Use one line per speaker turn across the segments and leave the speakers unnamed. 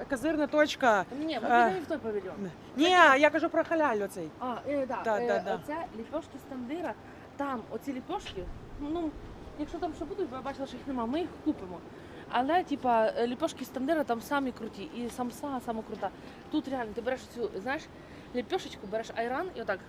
козирна точка.
Ні, ми підемо в той павільйон.
Ні, я кажу про халяль оцей. Да.
Оце ліпьошки з тандира. Там оці ліпьошки, ну, якщо там ще будуть, бо я бачила, що їх нема, ми їх купимо. Але, типа, ліпьошки з тандира там самі круті. І самса сама крута. Тут реально, ти береш цю, знаєш, ліпьошечку, береш айран і отак.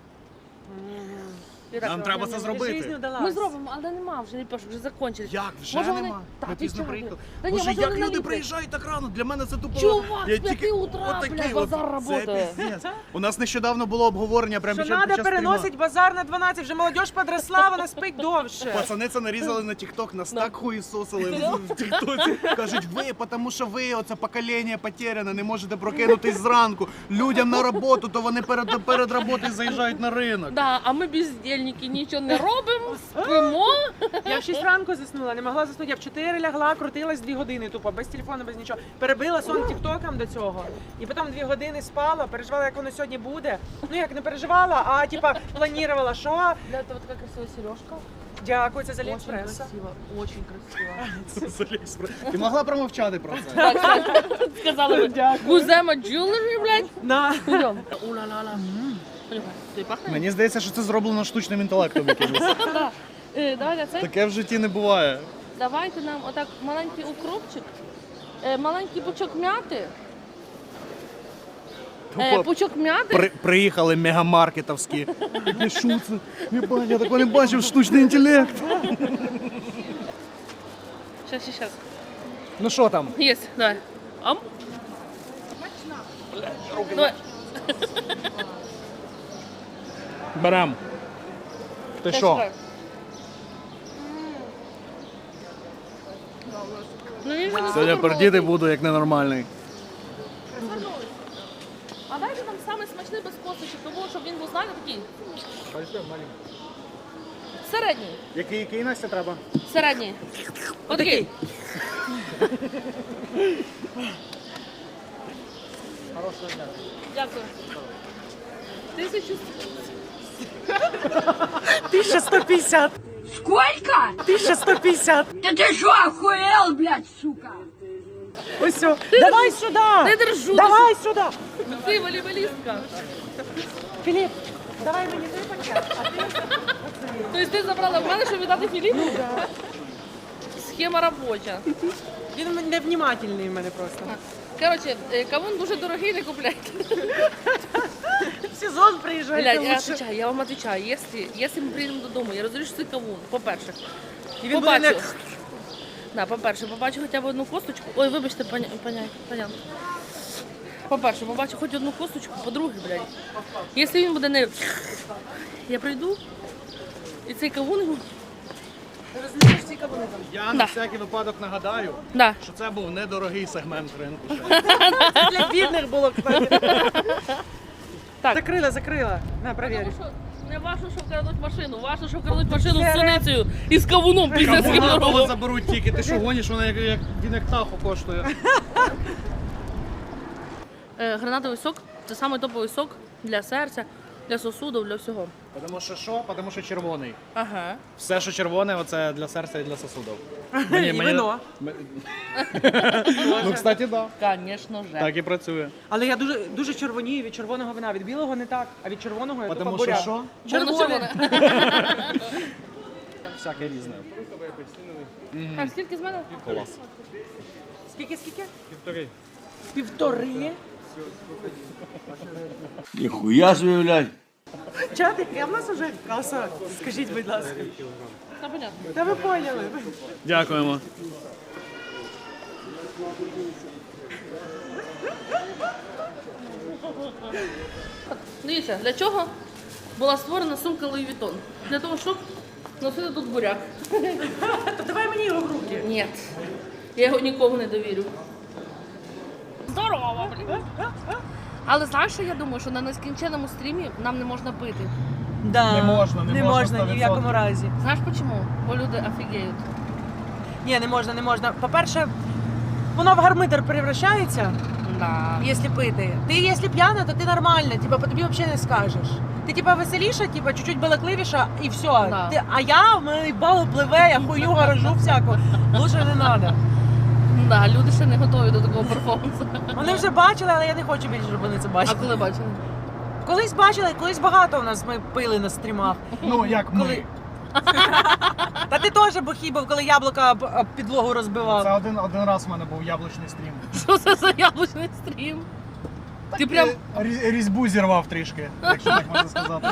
Нам треба це зробити.
Ми зробимо, але нема вже ліпьошок, вже закончились.
Як? Вже
Може,
нема?
Та,
Ми
ти
пізно
чого?
приїхали.
Та ні,
Боже,
може,
як
вони
люди
наліплять.
приїжджають так рано? Для мене це тупо...
Чувак,
Я
з 5
тільки-
утра,
отакий
блядь,
от.
базар
Це
работає.
пиздец. У нас нещодавно було обговорення прямо
Що
під час
треба переносить базар на 12, вже молодь подросла, вона спить довше.
Пацани це нарізали на TikTok, нас так хуїсосили в тіктоці. Кажуть, ви, тому що ви, оце покоління потеряне, не можете прокинутись зранку. Людям на роботу, то вони перед роботою заїжджають на ринок.
Да, а ми бездельники, нічого не робимо, спимо.
Я в 6 ранку заснула, не могла заснути. Я в 4 лягла, крутилась 2 години тупо, без телефону, без нічого. Перебила сон тіктоком до цього. І потім 2 години спала, переживала, як воно сьогодні буде. Ну як не переживала, а типа планувала, що.
Для этого така красива сережка.
Дякую, це з
Очень
Аліекспреса.
красиво, очень красиво.
Ти могла промовчати про це.
Так, сказали ви. Гузема Jewelry, блядь.
На.
Йдем. Ула-ла-ла. Понюхай. Тобі пахне?
Мені здається, що це зроблено штучним інтелектом якимось.
Да. Давай, це.
Таке в житті не буває.
Давайте нам отак маленький укропчик, маленький пучок м'яти. Пучок м'яти.
Приїхали мегамаркетовські. Таке що це? Єбать, я такого не бачив, штучний інтелект.
Щас.
Ну що там?
Є, давай. Ам. Давай.
Берем. Ти що?
Ну, я вже не
Сьогодні
буду
пердіти
голодний.
буду як ненормальний.
А дайте нам самий смачний без косточок, тому щоб він був, знаєте, такий. Середній.
Який Настя треба?
Середній. Отакий.
Хорошого дня.
Дякую. 1000.
1150.
Сколько?
1150.
Да ты что, охуел, блядь, сука?
Ось все. Давай сюди.
Ти держу.
Давай сюди.
Ти волейболістка.
Філіп, давай мені той пакет.
Тобто ти забрала в мене, щоб віддати Філіпу? Схема робоча.
Він невнімательний в мене просто.
Коротше, кавун дуже дорогий, не купляйте.
В сезон приїжджайте
Блядь, я вам отвечаю, якщо ми приїдемо додому, я розумію, що це кавун, по-перше.
І він буде
Побачу.
не...
Да, по-перше, побачу хоча б одну косточку. Ой, вибачте, понятно. По-перше, побачу хоч одну косточку, по-друге, блядь. Якщо він буде не... Я прийду, і цей кавун...
Розумієш ці кавуни там?
Я
Да.
на всякий випадок нагадаю,
Да.
що це був недорогий сегмент ринку.
Для бідних було, кстати.
Так.
Закрила. На, провірю.
Тому що не важно, що вкрадуть машину, важно, що вкрадуть машину з суницею і з кавуном піздецьким
Кавуна того
дорогом.
заберуть тільки. Ти що гониш, вона він як тахо коштує.
Гранатовий сок – це самий топовий сок для серця, для сосудів, для всього.
Тому що що? Тому що червоний.
Ага.
Все, що червоне, оце для серця і для сосудів.
І вино.
Ну, кстати, так.
Звісно же.
Так і працює.
Але я дуже червонію від червоного вина. Від білого не так, а від червоного я тупо
Тому що
буряк.
що?
Червоне.
Всяке різне.
Так, скільки з мене?
Клас.
Скільки?
Півтори.
Півтори?
Ніхуя собі, блядь.
Чатик, я в нас уже каса. Скажіть, будь ласка.
Та понятно.
Та ви поняли.
Дякуємо.
Дивіться, для чого була створена сумка Louis Vuitton? Для того, щоб носити тут буряк.
То давай мені його в руки.
Ні. Я його нікому не довірю. Здорово, блін. Але знаєш, що я думаю, що на нескінченому стрімі нам не можна пити.
Да.
Не можна
ні в якому
100%.
разі.
Знаєш чому? Бо люди офігеють.
Ні, не можна. По-перше, воно в гармидер превращається,
Да.
якщо пити. Ти, якщо п'яна, то ти нормальна, типа, по тобі взагалі не скажеш. Ти типа веселіша, типа, чуть-чуть балакливіша і все.
Да.
А я, в мене бал пливе, я хуйню гаражу всяку. Лучше не треба.
Да, люди ще не готові до такого перформансу.
Вони вже бачили, але я не хочу більше, щоб вони це
А
бачили.
коли бачили?
Колись бачили, колись багато у нас ми пили на стрімах.
Ну, як ми.
Коли- Та ти теж бухий був, коли яблука об підлогу розбивав.
Це один раз в мене був яблучний стрім.
Що це за яблучний стрім? Ти прям
Різьбу зірвав трішки, якщо так можна сказати.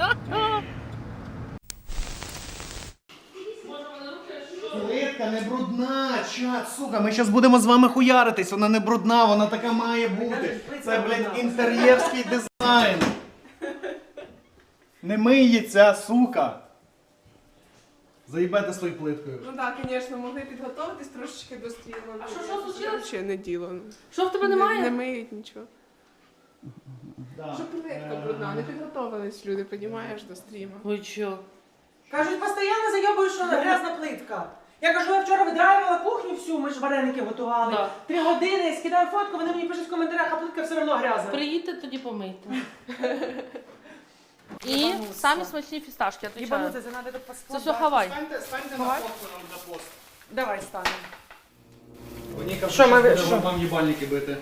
Плитка не брудна, чат, сука, ми зараз будемо з вами хуяритись, вона не брудна, вона така має бути. Це, блядь, інтер'єрський дизайн. Не миється, сука. Заїбете свою плиткою.
Ну так, звісно, могли підготуватись трошечки до стріму.
А що случилось?
Ще не діло.
що в тебе немає?
Не миють нічого.
Да.
Що плитка брудна, не підготовились люди, розумієш, до стріму.
Ви чо?
Кажуть, постійно зайобують, що грязна плитка. Я кажу, я вчора видраювала кухню всю, ми ж вареники готували.
Да.
3 години, я скидаю фотку, вони мені пишуть в коментарях, а плитка все одно грязна.
Приїдьте, тоді помийте. І самі смачні фісташки, я
Їбану,
отвечаю.
це треба тут
Це
поскладати.
все Хавай.
Станьте на фотку нам для посту.
Давай станемо.
Вони
Що
кажуть,
ми-
що
що?
треба вам їбальники бити.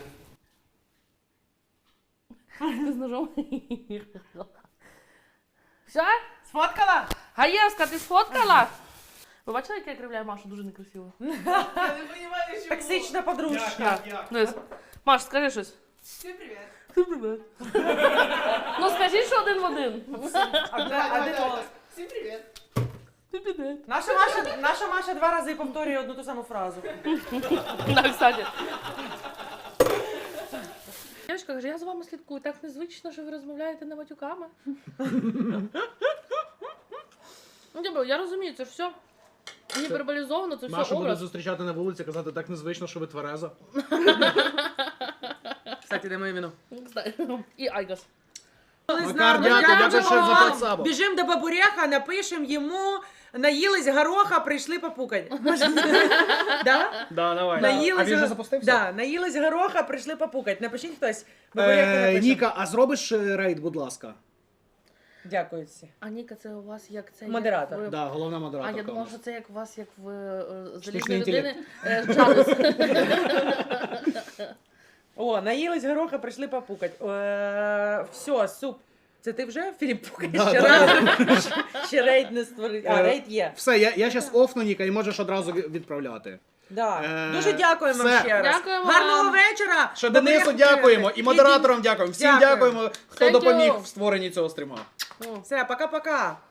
Ти з ножом. Все?
Сфоткала?
Гаєвська, ти сфоткала? Ви бачили, як я кривляю Машу? Дуже некрасиво.
Я не розумію, що
Токсична подружка.
Дивись. Маш, скажи щось.
Всім привіт.
Ну скажи, що один в один.
Один голос.
Всім привіт.
Наша Маша 2 рази повторює одну ту саму фразу.
Да, кстати. Дівчинка каже, я за вами слідкую, так незвично, що ви розмовляєте не матюками. Ну, дебро, я розумію, це ж все гіперболізовано, це все
Машу буде
образ.
зустрічати на вулиці, казати, так незвично, що ви твереза.
Кстати, де моє віно?
Кстати, і Айгас.
Макар, дякую ще за 5 сабок.
Біжим до бабуряха, напишем йому, наїлись гороха, прийшли попукать. Да?
Да, давай.
Наїлись,
А він вже запустився?
Да, наїлись гороха, прийшли попукать. Напишіть хтось. Бабуряха напише.
Ніка, а зробиш рейд, будь ласка?
Дякую всі.
А Ніка, це у вас як це?
Модератор.
Як ви...
Да, головна
А
модераторка.
я
у
думала,
нас.
що це як у вас, як в
Штучний
залізної людини.
інтелект.
Чарльз.
О, наїлись гороха, прийшли попукать. Все, суп. Це ти вже, Філіп, пукаєш
Да,
ще
да.
раз? Ще рейд не створив. А, рейд є.
Все, я зараз офну, Ніка, і можеш одразу відправляти.
Да.
Е,
Дуже дякуємо
все.
ще раз.
Дякуємо
Гарного
вам.
вечора.
Ще Денису
Бабуряху
дякуємо, і
привітайте.
модераторам дякуємо. Всім
Дякую.
дякуємо, хто
Thank you.
допоміг в створенні цього стріма.
Все, пока-пока.